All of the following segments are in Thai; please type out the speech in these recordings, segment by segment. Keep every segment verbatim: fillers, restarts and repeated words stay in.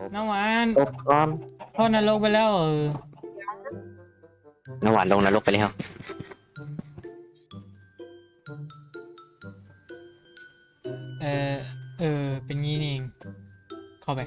น้ำหวานตกก่อนพ่อนรกไปแล้วเออน้ำหวานลงนรกไปแล้วเออเออเป็นงี้นี่เองเข้าไป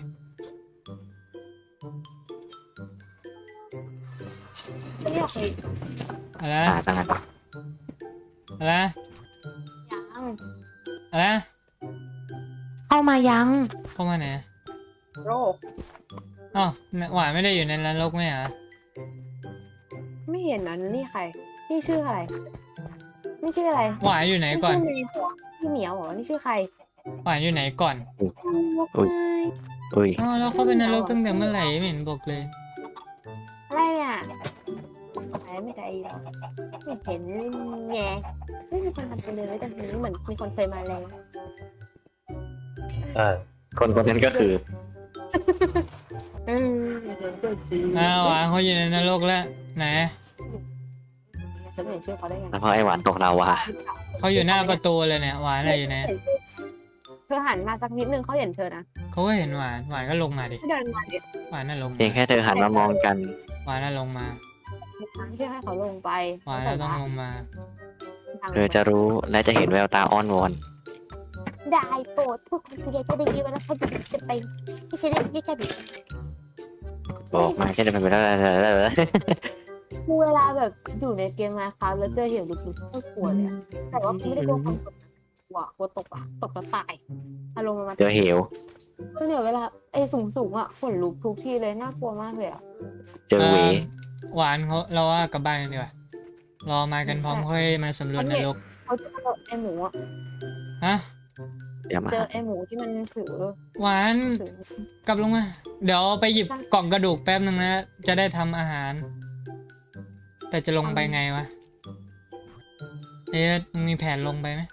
ไม่อยากเลยอะไรอ่าสังหารอะไรยังอะไรเข้ามายังเข้ามาไหนโรคอ๋อหวานไม่ได้อยู่ในนรกไหมเหรอไม่เห็นนะนี่ใครนี่ชื่ออะไรนี่ชื่ออะไรหวานอยู่ไหนนี่ก่อนชื่อเมย์เหรอพี่เหมียวเหรอนี่ชื่อใครหวานอยู่ไหนก่อนอุ้ยอ๋อแล้วเข้าไปนรกตั้งแต่เมื่อไหร่ไม่เห็นบอกเลยอะไรเนี่ยอะไรไม่ได้หรอกไม่เห็นไงไม่มีคนทำไปเลยแต่ทีนี้เหมือนมีคนเคยมาแล้วเออคนคนนั้นก็คือเออเห็นก็ดีอ้าวหวานเขาอยู่ในนรกแล้วไหนจะไม่เห็นชื่อเขาได้ไงแล้วพอไอหวานตกลาวาเขาอยู่หน้าประตูเลยเนี่ยหวานอะไรอยู่ไหนเธอหันมาสักนิดนึงเขาเห็นเธอนะเขาก็เห็นหวานหวานก็ลงมาดิเดินมาดิหวานน่ะลงเพียงมาแค่เธอหันมามองกันหวานน่ะลงมาทางที่ให้เขาลงไปหวานน่ะต้องลงมาเธอจะรู้และจะเห็นแววตาอ้อนวอนได้โปรดพวกคุณจะได้ยินว่าเขาจะไปที่จะได้ไม่ใช่แบบบอกมาแค่จะเป็นไปได้แล้วคือเวลาแบบอยู่ในเกมมาครับแล้วเจอเหวลึกๆก็กลัวเลยอะแต่ว่าไม่ได้กลัวความสดนะกลัวกลัวตกอะตกแล้วตายอารมณ์มันมาเจอเหวก็เนี่ยเวลาไอ้สูงสูงๆอะขนลุกทุกทีเลยน่ากลัวมากเลยอะเจอเหวหวานเขาเราว่ากลับบ้านกันดีกว่ารอมากันพร้อมค่อยมาสำรวจนรกเขาเจอไอ้หมูอะฮะเดี๋ยวมาเจอไอ้หมูที่มันถือหวานถือกลับลงมา เดี๋ยวไปหยิบกล่องกระดูกแป๊บนึงนะ จะได้ทำอาหาร แต่จะลงไปไงวะ เอ๊ะมึงมีแผนลงไปไหม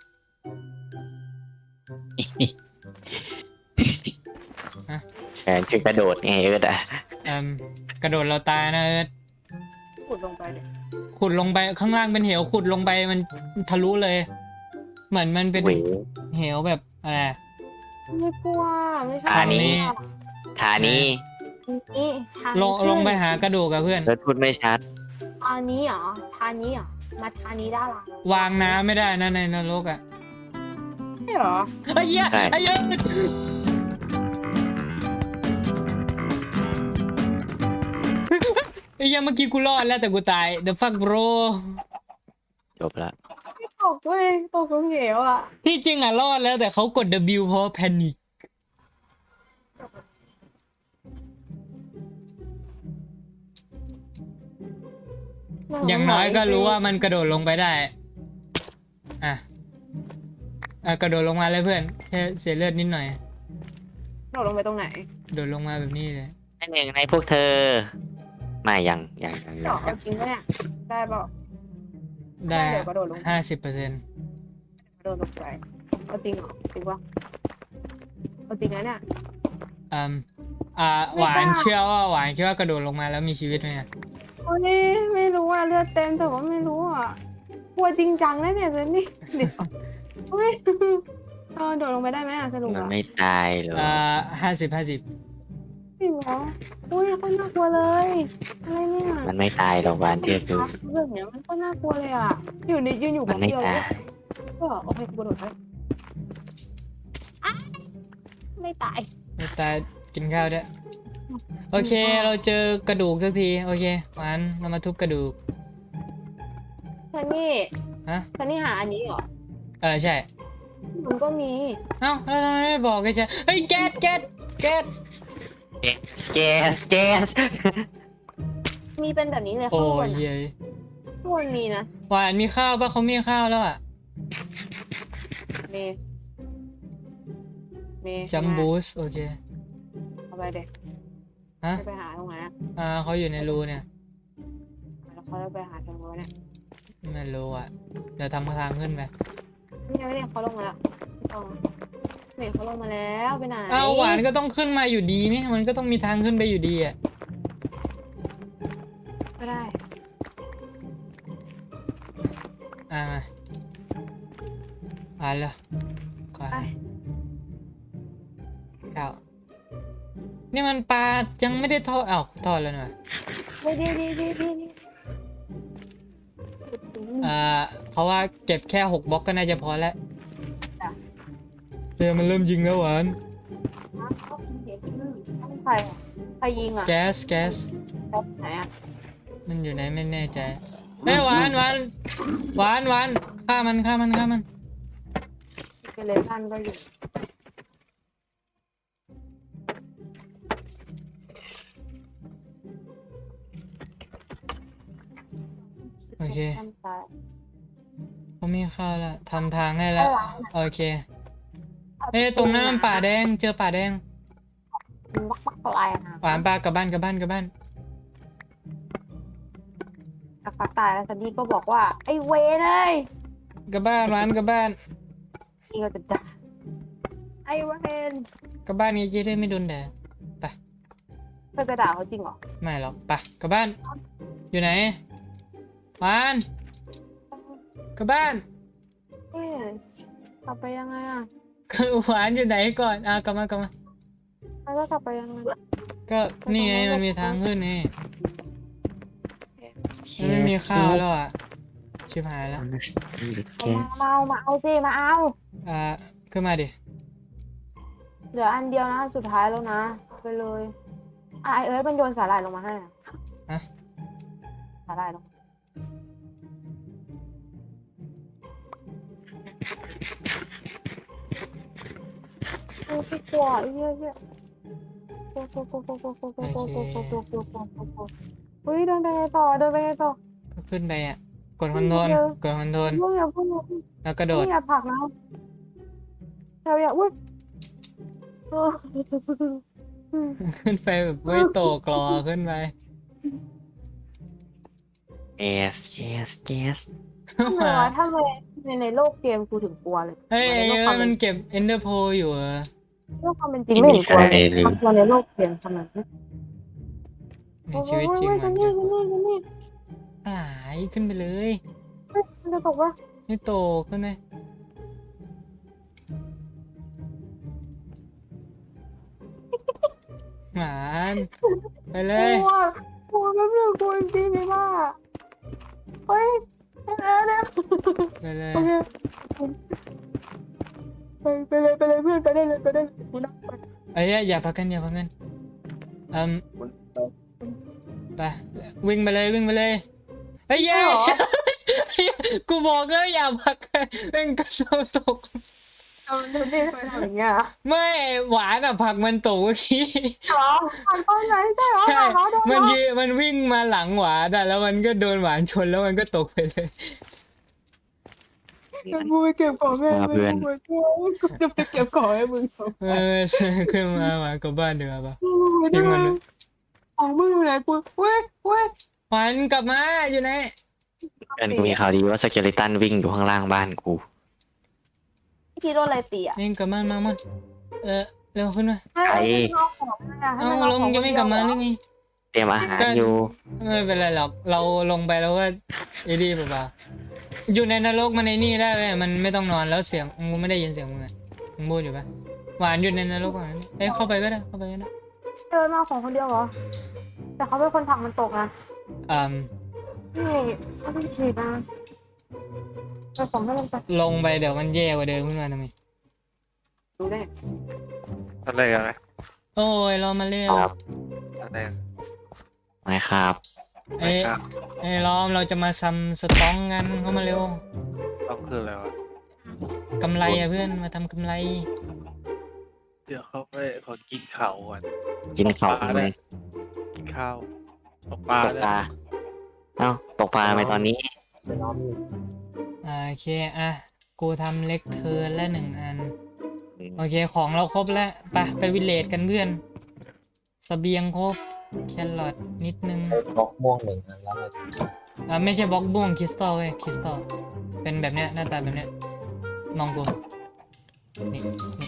แฟนคือกระโดดไงเออแต่เอ่มกระโดดเราตายนะเอิร์ธขุดลงไปเลยขุดลงไปข้างล่างเป็นเหวขุดลงไปมันทะลุเลย เหมือนมันเป็นเหวเหวแบบอะไรไม่กลัวไม่ใช่อ่านี่ ฐานี้นี่ทางลงขึ้นลงไปหากระดูกกับเพื่อนเธอพูดไม่ชัดทางนี้เหรอทางนี้เหรอมาทางนี้ได้หรอวางน้ำไม่ได้นะในนรกอ่ะใช่เหรอไอ้เหี้ยใช่ไอ้เหี้ยไอ้เหี้ยเมื่อกี้กูรอดแล้วแต่กูตาย the fuck bro จบละไม่ตกเว้ยตกลงเหวอ่ะที่จริงอ่ะรอดแล้วแต่เขากด W เพราะแพนิคอย่างน้อยก็รู้ว่ามันกระโดดลงไปได้ อ่ะอ่ะกระโดดลงมาเลยเพื่อนแค่เสียเลือดนิดหน่อยโดดลงไปตรงไหนโดดลงมาแบบนี้เลยอันหนึ่งในพวกเธอ ไม่ยังยังยังเจาะเอาจริงปะเนี่ยได้เปล่าได้เดี๋ยวกระโดดลงห้าสิบเปอร์เซ็นต์กระโดดลงไปเอาจริงเหรอจริงปะเอาจริงนะเนี่ยอ่าอ่าหวานเชื่อว่าหวานคิดว่ากระโดดลงมาแล้วมีชีวิตไหมอะโอ้ยไม่รู้อ่ะเลือดเต็มแต่ว่าไม่รู้อ่ะกลัวจริงจังนะเนี่ยเจนนี่เดี๋ยวเฮ้ยเออโดดลงไปได้ไหมอ่ะสรุปมันอ่ะไม่ตายหรอกอ่าห้าสิบห้าสิบจริงเหรออุ้ยก็น่ากลัวเลยอะไรเนี่ยมันไม่ตายหรอกวานเทียบดูเรื่องเนี้ยมันก็น่ากลัวเลยอ่ะอยู่ในยืนอยู่มักับนไม่เดียวตายก็โอเคกูกระโดดไปอ้ายไม่ตายไม่ตายกินข้าวด้วยโอเคเราเจอกระดูกสักทีโอเคหวานเรามาทุบกระดูกซันนี่ฮะซันนี่หาอันนี้เหรอเออใช่มันก็มีเอ้าแล้วทำไมไม่บอกกันใช่เฮ้ยแก๊สแก๊สแก๊สสเกสเกสมีเป็นแบบนี้เลยโอ้ข้างบนยอ่ะเย้ยข้างบนมีนะหวานมีข้าวปะเขามีข้าวแล้วอ่ะมีมีจัมบูสโอเคเอาไปเด็กฮะไปหาตรงไหนอ่ะอ่าเขาอยู่ในรูเนี่ยแล้วเขาจะไปหาตรงนู้นเนี่ยไม่รู้อ่ะเดี๋ยวทำทางขึ้นไปนี่ไงเนี่ยเขาลงมาแล้วไม่ต้องนี่เขาลงมาแล้วไปไหนอ้าวหวานก็ต้องขึ้นมาอยู่ดีนี่มันก็ต้องมีทางขึ้นไปอยู่ดีอ่ะก็ได้อ่ามาอ่านเลยขวาไปเก้านี่มันปลายังไม่ได้ทอดอ้าวทอดแล้วนะไม่ดีดีดีดีดีอ่าเขาว่าเก็บแค่หกบล็อกก็น่าจะพอแล้วเดี๋ยวมันเริ่มยิงแล้วหวานใครอะใครยิงอ่ะแก๊สแก๊สแบบไหนอ่ะมันอยู่ไหนไม่แน่ใจเฮ้ยหวานหวานหวานหวานฆ่ามันฆ่ามันฆ่ามันเกเลตันก็อยู่โอเคทำตายเขามีข้าวแล้วทำทางให้แล้วโอเคเอ้ยตรงนั้นมันป่าแดงเจอป่าแดงวักวักอะไรนะหวานปลากลับบ้านกลับบ้านกลับบ้านสักพักตายแล้วซันดี้ก็บอกว่าไอ้เวรเลยกลับบ้านหวานกลับบ้านนี่ก็จะด่าไอ้เวรกลับบ้านนี้จะได้ไม่โดนแดดไปเธอจะด่าเขาจริงเหรอไม่หรอกไปกลับบ้าน อยู่ไหนหวานกลับบ้านเอ๊ะกลับไปยังไงอ่ะคือหวานอยู่ไหนก่อนอ่ะกลับมากลับมาแล้วก็กลับไปยังไงก็นี่ไงมันมีทางขึ้นนี่มันไม่มีข้าวแล้วอ่ะชิบหายแล้วมาเอามาเอาสิมาเอาอ่าขึ้นมาดิเหลืออันเดียวนะอันสุดท้ายแล้วนะไปเลยอ่ะไอเอิร์ธมันโยนสาหร่ายลงมาให้อะฮะสาหร่ายลงโอ้ยกลัวไอ้เหี้ยเหี้ยกลัวกลัวกลัวกลัวกลัวกลัวกลัวกลัวกลัวกลัวกลัวกลัวกลัวกลัวกลัวเฮ้ยเดินไปไงต่อเดินไปไงต่อก็ขึ้นไปอ่ะกดคอนโทรลกดคอนโทรลเพิ่งอย่าเพิ่งอย่าเพิ่งแล้วกระโดดอย่าผลักนะอย่าอย่าอุ้ยเออขึ้นไปแบบเว้ยโตกรอขึ้นไป yes yes yes ทำไมวะทำไมในในโลกเกมกูถึงกลัวเลยเฮ้ยในไอ้โลกเอ้ความยเป็มัน นเก็บเอนเดอร์โพอยู่เหรอโลกความเป็นจริงไม่เห็นกลัวเลยมากลัวในโลกเกมทำไมในชีวิตจริงโอ้ยมัจะนนี่จะนี่จะนี่หายขึ้นไปเลยเฮ้ยมันจะตกวะไม่โตขึ้นไหมหมานไปเลยกลัวกลัวแบบนี้กลัวจริงๆเลยว่าเฮ้ยไปแล้วเนี่ยไปเลยโอเคไปไปเลยไปเลยเพื่อนไปได้เลยไปได้เลยกูนั่งไปไอ้ยอย่าพักกันอย่าพักกันอืมไปวิ่งไปเลยวิ่งไปเลยเฮ้ยเย้กูบอกแล้วอย่าพักกันเป็นกระโดดตกเอาเดี๋ยวนี่ทำไมทำอย่างเงี้ยไม่หวานอ่ะผลักมันตกเมื่อกี้เหรอผ่านตอนไหนได้เหรอใช่ผ่านเหรอโดนเหรมันอยีมันวิ่งมาหลังหวานอ่ะแล้วมันก็โดนหวานชนแล้วมันก็ตกไปเลยกูไปเก็บของให้มาเพื่อนมึงกูจะไปเก็บของให้มึงสองเออขึ้นมาหวานกลับบ้านดีกว่าปะกูทิ้งมันเลยของมึงอยู่ไหนกูเว้ยเว้ยหวานกลับมาอยู่ไหนเพื่อนกูมีข่าวดีว่าสเกเลตันวิ่งอยู่ข้างล่างบ้านกูพี่โดนอะไรตีอ่ะนี่กลับมามามาเออเร็วขึ้นมาใครเอาของมาเอาลงยังไม่กลับมาหรือไงเตรียมอาหารอยู่ไม่เป็นไรหรอกเราลงไปแล้วก็ไอ้ดีเปล่าๆอยู่ในนรกมันในนี่ได้ไหมมันไม่ต้องนอนแล้วเสียงมึงไม่ได้ยินเสียงมึงอะมึงพูดอยู่ปะหวานอยู่ในนรกอ่ะเอ้ยเข้าไปก็ได้เข้าไปก็ได้เดินมาของคนเดียวเหรอแต่เขาเป็นคนผลักมันตกนะอืมนี่เขาเป็นผีนะเอาของให้มันไปลงไปเดี๋ยวมันแย่กว่าเดิมขึ้นมาทำไมดูได้อะไรอะไรโอ้ยรอมาเร็วครับอะไรไม่ครับเอ้ยครับเอ้ยรอมเราจะมาซัมสตองกันเข้ามาเร็วต้องคืออะไรวะกำไรอะเพื่อนมาทำกำไรเดี๋ยวเขาไปขอกินข้าวก่อนกินข้าวปลาทำไมได้กินข้าวตกปลาตกได้ปลาเอ้าตกปลาทำไมตอนนี้อ่าโอเคอ่ะกูทำเล็กเทิร์นและหนึ่งอันโอเคของเราครบแล้วไปไปวิลเลจกันเพื่อนเสบียงครบแครอทนิดนึงบล็อกม่วงหนึ่งอันแล้วเลยอ่าไม่ใช่บล็อกบ้วงคริสตัลเว้ยคริสตัลเป็นแบบเนี้ยหน้าตาแบบเนี้ยมองกูนี่นี่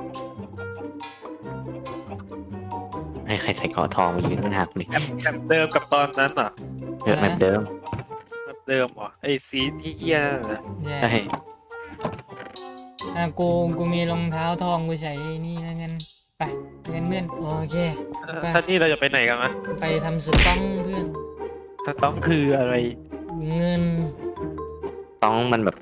ให้ใครใส่เกอทองมายืนข้างหน้ากูเลยแบบแบบเดิมกับตอนนั้นเหรอเออแบบเดิมแบบเดิมเหรอไอ้สีที่เหี้ยนั่นน่ะแย่ใช่อ่ะกูกูมีรองเท้าทองกูใช้นี่แล้วกันไปไปไปกันเพื่อนโอเคเออซันนี่เราจะไปไหนกันมะไปทำสต้องเพื่อนถ้าต้องคืออะไรเงินต้องมันแบบ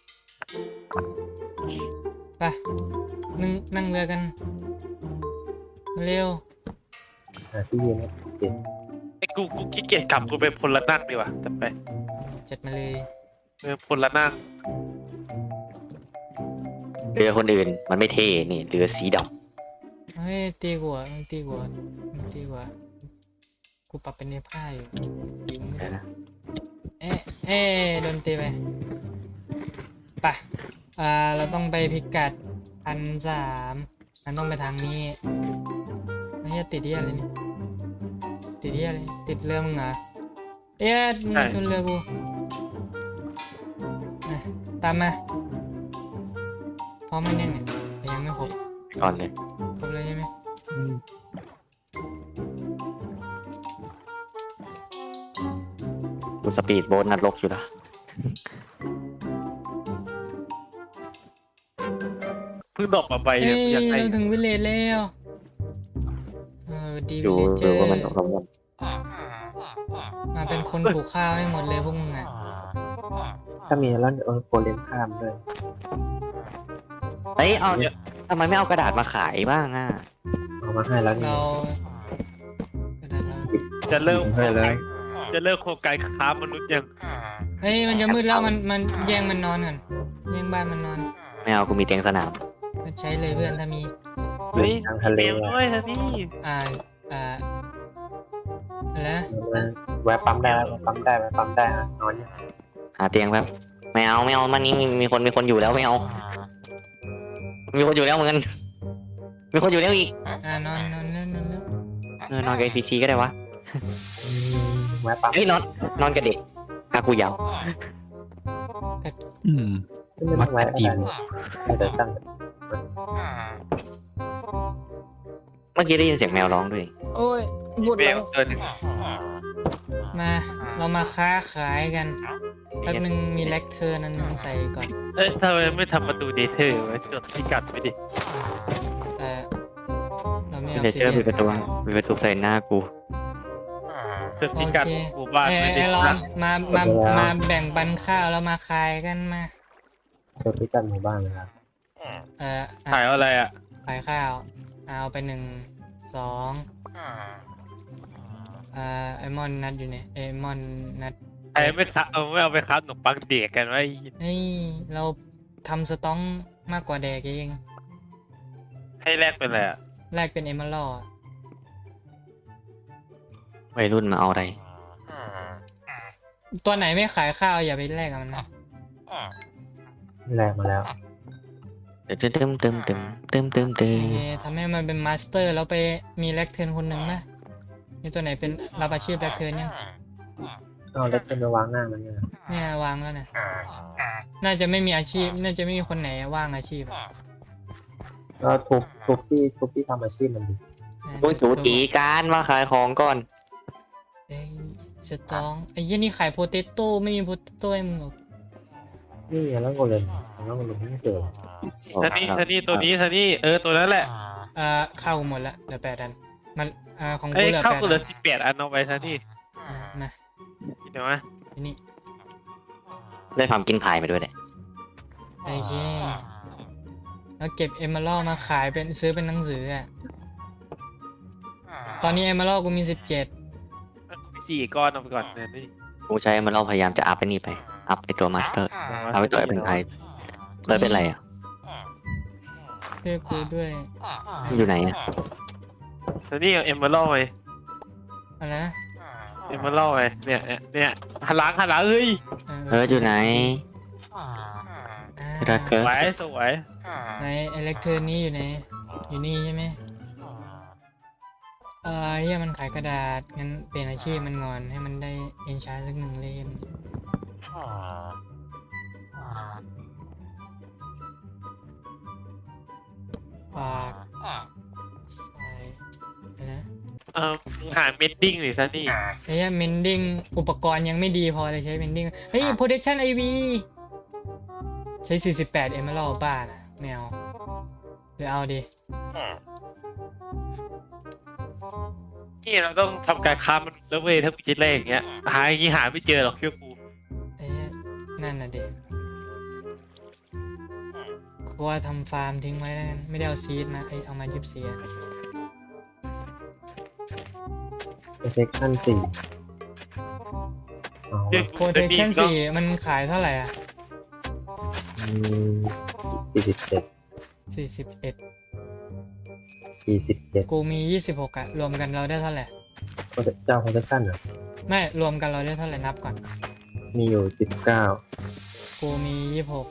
ไปนั่งนั่งเรือกันเร็วหาที่ยืนไม่ติดไอ้กูกูขี้เกียจกลับกูไปพลนั่งดีกว่าจะไปจัดมาเลยเออพลนั่งเรือคนอื่นมันไม่เท่นี่เรือสีดเฮ้ยตีกว่าตีกว่าตีกว่ากูปรับเป็นเนื้อผ้าอยู่ยิงำไม่เดี๋ยวได้นะเอ๊ะเอ๊ะโดนตีไปไปอ่าเราต้องไปพิกัดพันสามมันต้องไปทางนี้ไม่ใช่ติดที่อะไรนี่ติดที่อะไรติดเรือมึงเหรอเอ๊ะมึงชนเรือกูอ่ะตามมาพร้อมไหมเนี่ยเนี่ยยังไม่ครบก่อนเลยครบเลยใช่ไหมกูสปีดโบ๊ทนัดลกอยู่ละเพิ่งดอกมาใบเอ้เนี่ยยอยากได้เราถึงวิลเลจแล้วเออดีดูวิลเลจเจดูอว่ามันตกลงกันมาเป็นคนปลูกข้าวให้หมดเลยพวกมึงอ่ะถ้ามีแล้วเออโกเลมข้ามด้วยเฮ้ยเอาทำไมไม่เอากระดาษมาขายบ้างอ่ะเอามาให้แล้วนี่เรากระดาษเราจะเริ่มให้เลยจะเริ่มโครงการค้ามนุษย์ยังเฮ้ยมันจะมืดแล้วมันมันแย่งมันนอนกันแย่งบ้านมันนอนไม่เอากูมีเตียงสนามก็ใช้เลยเพื่อนถ้ามีเฮ้ยทางทะเลเตรียมด้วยซันนี่อ่าอ่าอะไรนะแวะปั๊มได้แวะปั๊มได้แวะปั๊มได้นะนอนอยู่หาเตียงแบบไม่เอาไม่เอามันนี้มีมีคนมีคนอยู่แล้วไม่เอา มีคนอยู่แล้วเหมือนกันมีคนอยู่แล้วอีกอ่านอนนอนเล่นนอนเล่นเออนอนกับ เอ็น พี ซี ก็ได้วะอืมแวะปั๊มเฮ้ยนอนนอนกับเด็กอากูยาวอืมไม่ต้องแวะก็ได้เดี๋ยวตั้งเมื่อกี้ได้ยินเสียงแมวร้องด้วยโอ้ยบุดเบแล้ลวเกินมาเรามาค้าขายกันแป๊บนึงมีแลคเทอร์นั่นนึงใส่ก่อนเอ้ยทำไมไม่ทำประตูเดเทอร์ไว้จดพิกัดไว้ดิแต่เราไม่เอาเดี๋ยวเจอปิดประตูปิดประตูใส่หน้ากูจดพิกัดหมู่บ้านเอ้ยไว้ดิไอ้ลองมามามาแบ่งปันข้าวแล้วมาขายกันมาเจอพิกัดหมู่บ้านนะครับเอ่ออ่ะถ่ายอะไรอ่ะขายข้าวเอาไปหนึ่งสองอ่าไอมอนนัดอยู่เนี่ยไอมอนนัดไอ้ไม่คับเอาไม่เอาไปคับขนมปังเด็กกันไว้เฮ้ยเราทำสต้องมากกว่าแดกเองให้แลกเป็นอะไรอ่ะแรกเป็นเอม a ร d วัยรุ่นมาเอาอะไรตัวไหนไม่ขายข้าวอย่าไปแลกกับมันนะแรงมาแล้วเดี๋ยวเติมเติมเติมเติมเติมเติโอมเคทำให้มันเป็นมาสเตอร์แล้วไปมีแลกเทิร์นคนหนึ่งนะมีตัวไหนเป็นรับอาชีพแลกเทิร์นยังเอาเล็กเป็นไปวางหน้ามันเนี่ยเนี่ยวางแล้วนะน่าจะไม่มีอาชีพ น่าจะไม่มีคนไหนว่างอาชีพอะก็ทุบทุบที่ทุบที่ทำอาชีพมันดิกูจูตีการมาขายของก่อนเอ้ยสตองไอ้ยี่นี่ขายโพเตโต้ไม่มีโพเตโต้ให้มึงหรอกนี่ไงแล้วโกเลมแล้วโกเลมไม่เจอซันนี่ซันนี่ตัวนี้ซันนี่เออตัวนั้นแหละอ่าเข้าหมดละเหลือแปดอันมันอ่าของเอ้กูยเหลือเข้าแปดกูเหลือัอน สิบแปดอันเอาไปซันนี่อ่ามาเดี๋ยวมาทีนี้ได้ทำกินพายมาด้วยเนี่ยโอเคแล้วเก็บเอม a ร d มาขายเป็นซื้อเป็นหนังสืออ่ะตอนนี้เอม a ร d กูมีสิบเจ็ดมีสี่ก้อนเอาไปก่อนเนี่ยนี่กูใช้มันเราพยายามจะอัพไปนี่ไป อัพไปตัวมาสเตอร์ เอาไปตัวเป็นไทยเติร์เป็นไรอ่ะช่วยกูด้วยมันอยู่ไหนอ่ะซันนี่เอาเอ็มเบอร์ล่อไปอะไรนะเอ็มเบอร์ล่อไปเนี่ยเนี่ยเนี่ยหันหลังหันหลังเฮ้ยเอออยู่ไหนอ่าที่รักเกิสร์วยสวยในเอเล็กเทอร์นี้อยู่ไหนอยู่นี่ใช่ไหมเออเฮียมันขายกระดาษงั้นเปลี่ยนอาชีพมันก่อนให้มันได้เอนชาร์สักหนึ่งเล่มฝากใส่อะไรนะเออมึงหาเมดดิ้งหรือซันนี่ไอ้เหี้ยเมนดิ้งอุปกรณ์ยังไม่ดีพอเลยใช้เมนดิ้งเฮ้ย protection ไอ วี ใช้สี่สิบแปด emerald บ้านะไม่เอาหรือเอาดินี่เราต้องทำการค้ามนุษย์แล้วเว้ยถ้ามีจิตแรกอย่างเงี้ยหาอย่างงี้หาไม่เจอหรอกเชื่อกูไอ้เนี่ยนั่นน่ะเด็กกูว่าทำฟาร์มทิ้งไว้แล้วกันไม่ได้เอาซีดนะไอเอามายิบเสียเซ็กชั่นสี่เอาเฮ้ยโปรเทคชั่นสี่มันขายเท่าไหร่อ่ะสี่สิบเจ็ดสี่สิบเอ็ดสี่สิบเจ็ดกูมียี่สิบหกอะรวมกันเราได้เท่าไหร่เจ้าโปรเทคชั่นอ่ะไม่รวมกันเราได้เท่าไหร่นับก่อนมีอยู่สิบเก้ากูมียี่สิบหก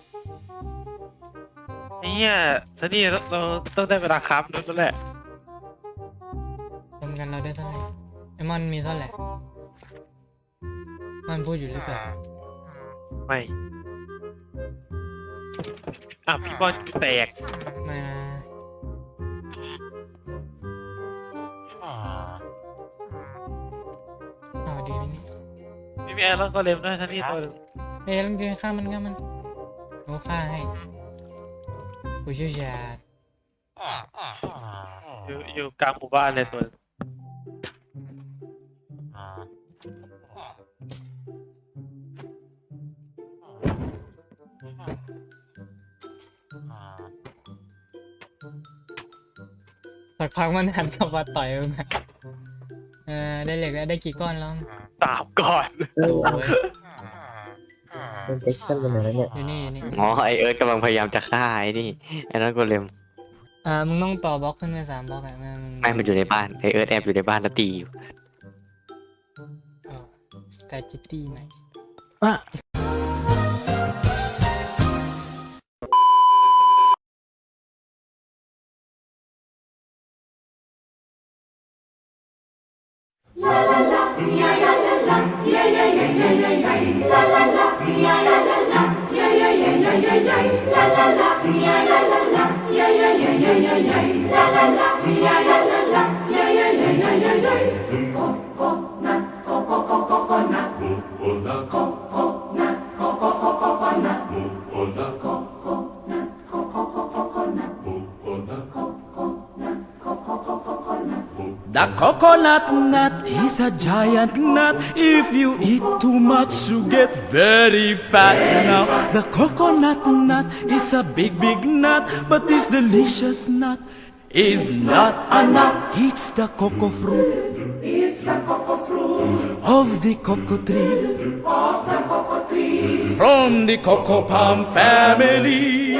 ไอ้เหี้ยซันนี่เราเราต้องได้เวลาค้ามนุษย์แล้วแหละรวมกันเราได้เท่าไหร่ไอมอนมีเท่าไหร่มันพูดอยู่หรือเปล่าไม่อ่ะพี่บอลกูแตกไม่นะเอาดีไหมเนี่ยไม่มีอะไรแล้วก็เร็วด้วยซันนี่ตัวหนึงเอ้ยแล้วมันฆ่ามันฆ่ามันกูฆ่าให้กูเชี่ยวชาญอยู่อยู่กลางหมู่บ้านเลยตัวหนึ่งสักพักมันหันกลับมาต่อยมึงอะเออได้เหล็กแล้วได้กี่ก้อนแล้วตามก่อนสวยโปรเทคชั่นเป็นไหนแล้วเนี่ยอยู่นี่อยู่นี่อ๋อไอเอิร์ธกำลังพยายามจะฆ่าไอ้นี่ไอ้นั่นโกเลมอ่ามึงต้องต่อบล็อกขึ้นไปสามบล็อกอะไม่มึงไม่มันอยู่ในบ้านไอเอิร์ธแอบอยู่ในบ้านแล้วตีอยู่สแตจิตี้ไหม The coconut nut is a giant nut. If you eat too much, you get very fat. Now, the coconut nut is a big, big nut, but this delicious nut is not a nut. It's the cocoa fruit. It's the cocoa fruit of the cocoa tree. Of the cocoa tree. From the cocoa palm family.